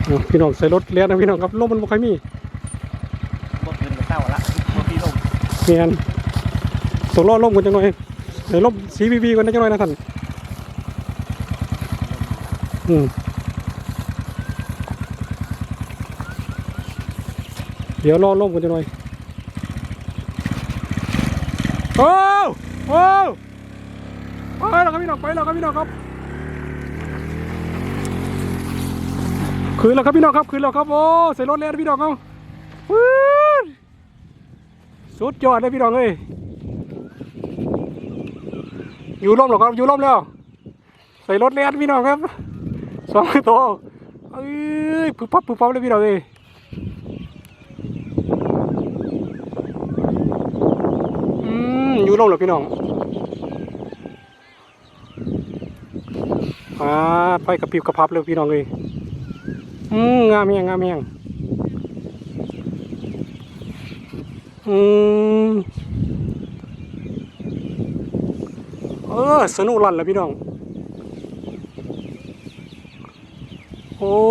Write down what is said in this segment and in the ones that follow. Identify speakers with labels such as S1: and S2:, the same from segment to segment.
S1: พี่น้องใส่รถเลี้ยนะพี่น้องครับลมมันบ่ค่อยมี
S2: บ่คืนกับเต้าละบ่มีลม
S1: เมียนต้องรอลมกันจังหน่อยในลมCVVกันจังหน่อยนะท่านเดี๋ยวรอลมกันจังหน่อยโอ้ไปแล้วครับพี่น้องไปแล้วครับพี่น้องครับคืนแล้วครับพี่น้องครับคืนแล้วครับโอ้ใส่รถเลี้ยพี่น้องเอาสุดยอดเลยพี่น้องเอ้ยอยู่ร่มหรอครับอยู่ร่มแล้วใส่รถเลี้ยพี่น้องครับ2 ตัวเอ้ยปุ๊บปั๊บเลยพี่น้องเอ้ยอยู่ร่มหรอพี่น้องไฟกระพริบกระพับเลยพี่น้องเอ้ยงามแหงสนุกลั่นเลยพี่น้องโอ้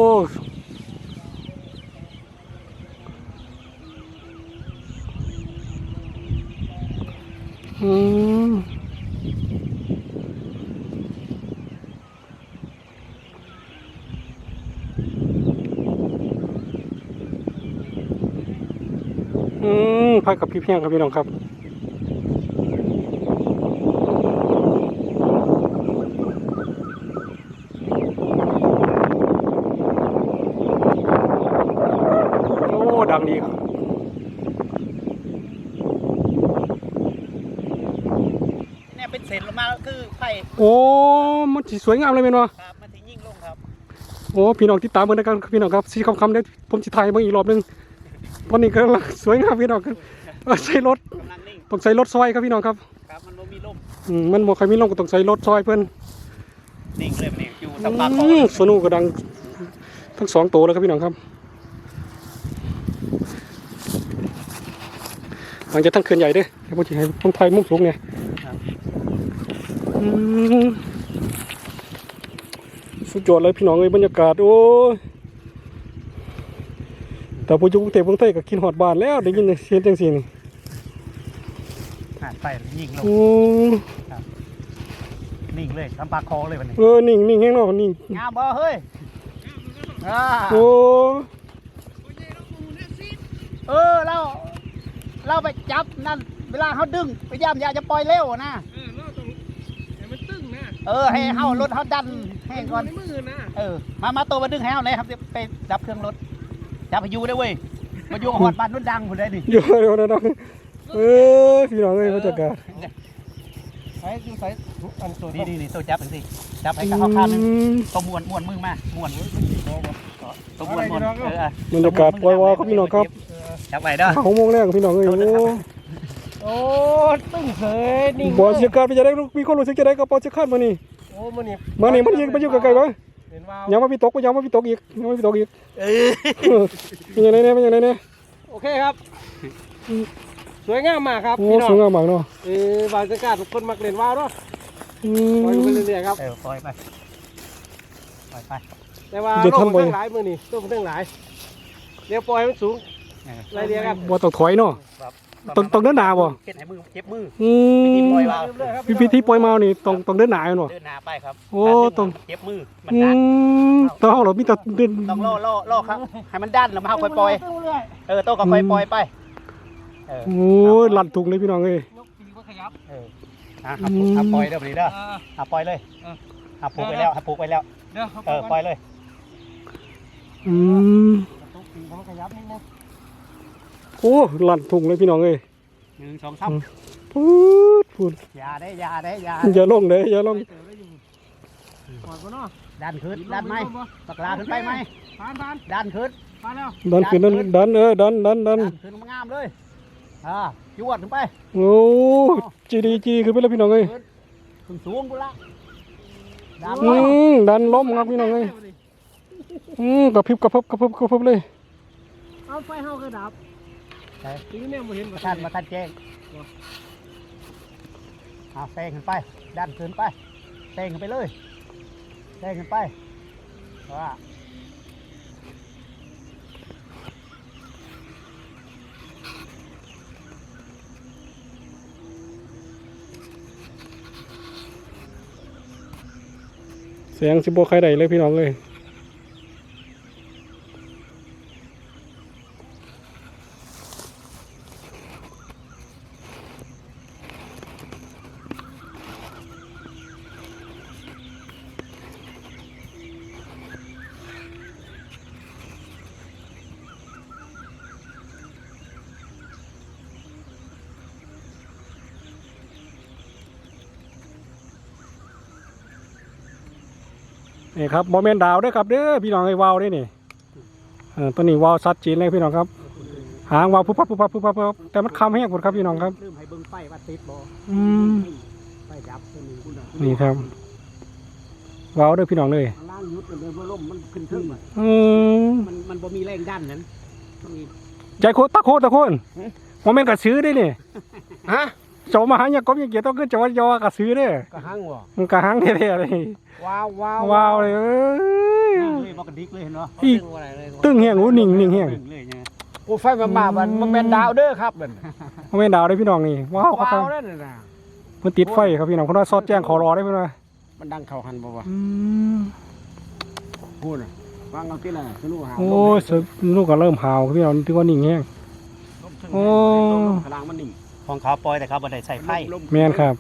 S1: ไฟกับพี่เพียงครับพี่น้องครับดังดีครับ
S2: เนี่ยเป็นเศษลงมาคือไฟ
S1: โอ้มันสวยงามเลยเป็นวะ
S2: ครับมันถึงยิ่งลงครับ
S1: โอ้พี่น้องที่ตามเหมือนกันพี่น้องครับสีคำได้ผมจะถ่ายมาอีกรอบนึงตอนนี้ก็สวยงามพี่น้องครับใส่รถต้องใส่รถซอยครับพี่น้องครับ
S2: ครับมันมีลม
S1: มันบ่ใครมีลมก็ต้องใส่รถซอยเพื่อน
S2: นิ่งเลยมันอยู่สัมปาก
S1: สนุกกระดังทั้ง2 ตัวเลยครับพี่น้องครับหลังจากทั้งเขื่อนใหญ่ด้วยให้ผมจะให้ผมถ่ายมุมสูงไงสุดยอดเลยพี่น้องเลยบรรยากาศโอ้แต่พออยู่กรุงเทพกรุงไทยก็กินหอดบานแล้วได้ยินเสียงจังสีนี่
S2: หาดไฟยิ่งลงนิ่งเลยสัมปากคอเลยวันนี้
S1: นิ่งแห้งเนาะนิ่ง
S2: งามบ่เฮ้ย
S1: โอ้
S2: เราไปจับนั่นเวลาเขาดึงพยายามอย่าจะปล่อยเร็วนะ
S3: เราต้องให้มันตึงนะ
S2: ให้เขารถเขาดันให้ก่อนมาตัวมาดึงให้เขาเลยครับไปจับเครื่องรถจับพายุได้เว้ยมาอยู่หอดบ้านนุ่นดังผมได้ดิ
S1: อยู่ดังพี่น้องเลยเขาจัดการ
S3: ใส่อันตัว
S2: นี่ตัวจับสิจับให้เขาข้ามตัวม้วนมือมาม้วนตัวม้วน
S1: บรรยากาศปล่อยวอครับพี่น้องครับ
S2: จับไปเด้อ
S1: 6 โมงแรกพี่น้องเลย
S3: โอ้ตึ้งเสยนี่
S1: บอลเชียร์การไปจะได้มีคนรู้สึกจะได้กับบอลเชียร์คาดมานี่
S3: โอ้มัน
S1: ยิงไปอยู่ไกลๆวะยังมาพี่ตกยังมาพี่ตกอีกเป็นยังไงเนี่ย
S3: โอเคครับสวยงามมากครับ
S1: พี่น้องสวยงามมากเนาะ
S3: บางจังหวัดทุกคนมักเล่นว่าวเนาะปล่อยไปเรื่อยๆครับ
S2: ปล่อยไป
S3: แต่ว่าโลกมันตั้งหลายมือนี่โลกมันตั้งหลายเดี๋ยวปล่อยมันสูงไรเดียวกัน
S1: บ่ต้องถอยเนาะต้องเดินหน้าบ่
S2: เก็บมือเจ็บมือ
S1: วิธีปล่อยมานี่ต้องเดินหน้าเนาะ
S2: เดินหน้าไปครับ
S1: โอ้ต้อง
S2: เจ็บมือมันดัน
S1: ต้องเรามีแต่
S2: ต้องล่อครับให้มันดันแล้วมาค่อยปล่อยโต้ก็ค่อยปล่อยไป
S1: โอ้ลั่นถุงเลยพี่น้องเอ้ย
S2: ปล่อยเด้อไปเด้อปล่อยเลยผูกไปแล้วปล่อยเลย
S1: โอ้ลั่นถุงเลยพี่น้องเอ้ย
S2: 1 2 3
S1: พูด
S2: อย่า
S1: ลงเลยอย่าลง
S2: ดันขึ้นดันไหมตะกร้าขึ้นไปไหมดันขึ้น
S1: ดันขึ้นดัน
S2: ขึ้นงามเลยจวดขึ้นไป
S1: โอ้จีขึ้นไปแล้วพี่น้องเอ้ย
S2: สูงกูละ
S1: ดันล้มครับพี่น้องเอ้ยกระพริบเลย
S3: เอาไฟเฮาก็ดับทีนี้เนี่ยมาเห็น
S2: ท่านแจ้งแซงขึ้นไปดันขึ้นไปแซงขึ้นไปเลยแซงขึ้นไปว่า
S1: แสงสิบ่ใครใดเลยพี่น้องเลยนี่ครับโมเมนต์ดาวด้วยครับเด้อพี่น้องไอ้วาวด้วยนี่ตัวนี้วาวซัดจีนเลยพี่น้องครับหางวาวพุบพับพุบพับพุบพับแต่มันคำแห้งหมดครับพี่น้องครับ
S2: ลืมให้เบิ่งไฟว่าติดบ่
S1: อืม
S2: ไฟดับตัวนี้คุณน่ะ
S1: นี่ครับวาวด้วยพี่น้องเลย
S2: ข้างล่างยุดเลยบ่ล่มมันขึ้นขึ้นมา มันบ่มีแรงดันนั้นมันมี
S1: ใจโคตะโคโมเมนต์กระซื้อได้นี่
S3: ฮะ
S1: โจมาหาอย่างก็ยังเกี่ยวต้องขึ้นจอยอกระซื้อเด้อก
S3: ระหังบ่
S1: มันกระหังแท้ๆเลย
S3: ว้าวว้าว
S1: วาวเลยเอ้ย
S2: เลยบ่กระดิกเลยเห็นบ่
S1: อีกตึ้งแห้งหูนิ่งแห้ง
S2: ตึ้งเลยเนี่ย
S3: กูไฟมามันเป็นดาวเด้อครับนั่น
S1: โมเมนต์ดาวได้พี่น้องนี่ว้าวครับ
S3: ว้าวนั่นน่ะ
S1: มันติดไฟครับพี่น้องคนว่าซอดแจ้งขอรอได้ไหมล่ะ
S3: มันดังเข้าหันบ่วะ
S1: อืม
S3: พูดน่ะวางเอาที่น่ะสนุกหา
S1: โอ้ยลูกก็เริ่มหาวครับพี่น้องที่ว่านิ่งแห้ง โอ้
S3: พลังมันนิ่ง
S2: ของเขาปล่อยแต่เขาบ่ได้ใส่ไฟ
S1: แมนครับ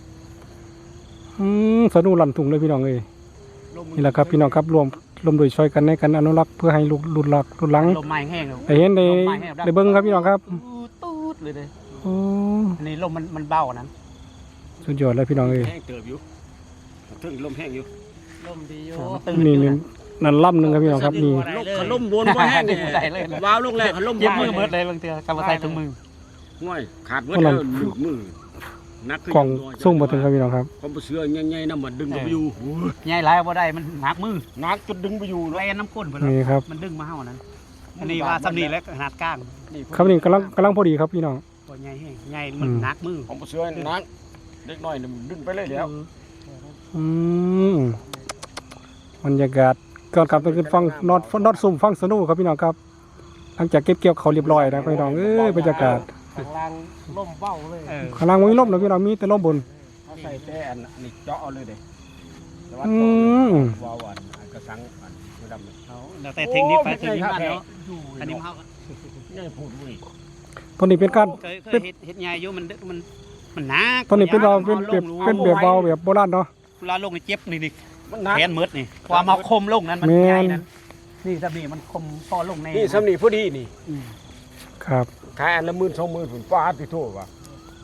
S1: สนุกลั่นถุงเลยพี่น้องเอ้ยนี่แหละครับพี่น้องครับรวมโดยช่วยกันในการอนุรักษ์เพื่อให้ลูกรุ่นหลัง
S2: ลมไม้แห้ง
S1: ได้เห็นได้เบิ้งครับพี่น้องครับ
S2: ตูดเลยเด้
S1: โอ้
S2: อันนี้ลมมันเบานั้น
S1: สุดยอดเลยพี่น้องเอ้ย
S3: แห้งเติบอยู่ถึงลมแห้งอยู่
S2: ลมดีอยู่
S1: นี่นั่นล่ำหนึ่งครับพี่น้องครับนี่
S3: ขลุ่มบนบ่แห้งนี่
S2: ได้เลย
S3: ว้าวลูกแรกขลุ่ม
S2: เย็บมือเบิดเลยบางเทื่อกำลังใส่ถุงมือ
S3: ง่อยขาดเบิดแล้วหลุดมือนัก
S1: กล่องส่งมาถึงครับพี่น้องครับ
S3: ผมเสือใหญ่ๆนำมันดึงไปอยู่
S2: ใหญ่หลายบ่ได้มันหนักมือ
S3: นักจนดึงไปอยู่
S2: แลนน้ำข้นเพิ่น
S1: นี่ครับ
S2: มันดึงมาเฮานั้นอันนี้ว่าสำนีแล้วขนาดก้าง
S1: ครับนี่กำลังพอดีครับพี่น้อง
S2: ตัวใหญ่แห้งใหญ่มันหนักมือ
S3: ผมเสือนักเล็กน้อยมันดึงไปเลยแล้ว
S1: บรรยากาศก่อนกลับไปขึ้นฟังนอดซุ่มฟังสนุกครับพี่น้องครับหลังจากเก็บเกี่ยวเขาเรียบร้อยนะพี่น้องบรรยากาศ
S3: ข้างล่างล่มเบ้าเลย
S1: ข้างล่างไม่มีลมนะพี่น้องมีแต่ลมบน
S3: เขาใส่แต่อันนี้เจาะเอาเลยเด้แต่ว่า
S1: อืม
S3: วาวอันกระสังอันดำ
S2: เอาแล้วแต่เทคนิคไปเทคนิคมันเนาะอันนี้เฮา
S3: ง่ายพูดเว้ย
S1: ตัวนี้เป็นการ
S2: เคยเฮ็ดใหญ่อยู่มันหนัก
S1: ตัวนี้เป็นเราเป็นแบบเบาแบบโบราณเนาะ
S2: เวลาลงนี่เจ็บนี่
S3: มันหนัก
S2: แขนมืดนี่ความเอาคมลงนั้นมัน
S1: แม่น
S2: ใหญ่นั้นนี่สำนีมันคมพอลงแน่
S3: นี่สำนีพอดีนี่
S1: ครับ
S3: ขายอันละ10,000-20,000ผุนฟาดที่โทษว่ะ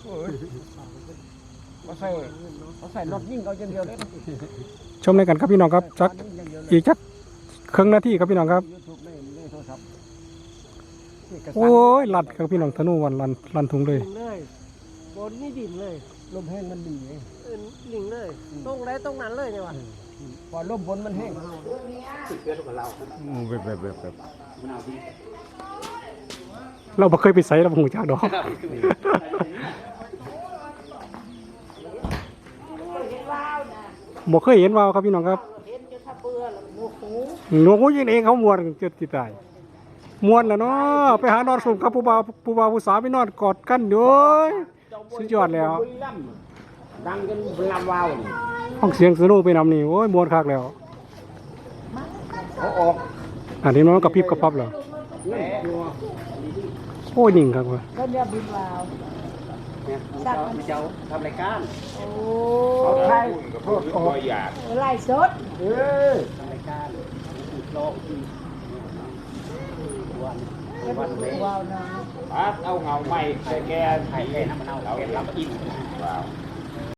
S3: เขาใส่รถยิ่งเอาอย่างเดียวเลย
S1: ชมในกันครับพี่น้องครับจักอีกจักครึ่งนาทีครับพี่น้องครับ
S3: YouTube ในโทรศัพท์
S1: โอ้ยลัดครับพี่น้องธนูวันลันถุงเลย
S4: เลยบนนี่ดินเลย
S3: ลมแห้งมันดีไง
S4: ลิงเลยตรงไรตรงนั้นเลยเนี่ยว่ะ
S3: พอลมบนมันแห้งแบบ
S1: เราบ่เคยไปใส่เราบ่หูจักดอกบ่เคยเห็นวาวครับพี่น้องครับ
S4: เห็นจะทับเบื่อแล้วโมโห
S1: หนูยิงเองเขามวนเจ็ดติดตายมวนแล้วเนาะไปหานอนสุ่มครับผู้บ่าวผู้สาวไปนอนกอดกันอยู่สุดยอดแล้ว
S3: ดังจนลำวาว
S1: ห้องเสียงสนุกไปนำนี่โอ้ยมวนคักแล้ว
S3: เขาออก
S1: อันนี้น้องกระพริบกระพับแล้วโอ้ยนิ่งครับว่ะ
S4: ก็เนี่ยบินวาว
S2: สัตว์มันจะทำรายการ
S4: โอ้
S3: เขาไทยโทษออก
S4: ไล่สด
S3: เออ
S2: ทำรายการโลก
S4: วาวนะ
S3: เอาเงาใหม่ใส่แก
S2: ไข่แก่น้ำมันเอาแก่ลำอิ่ม
S3: ว้าว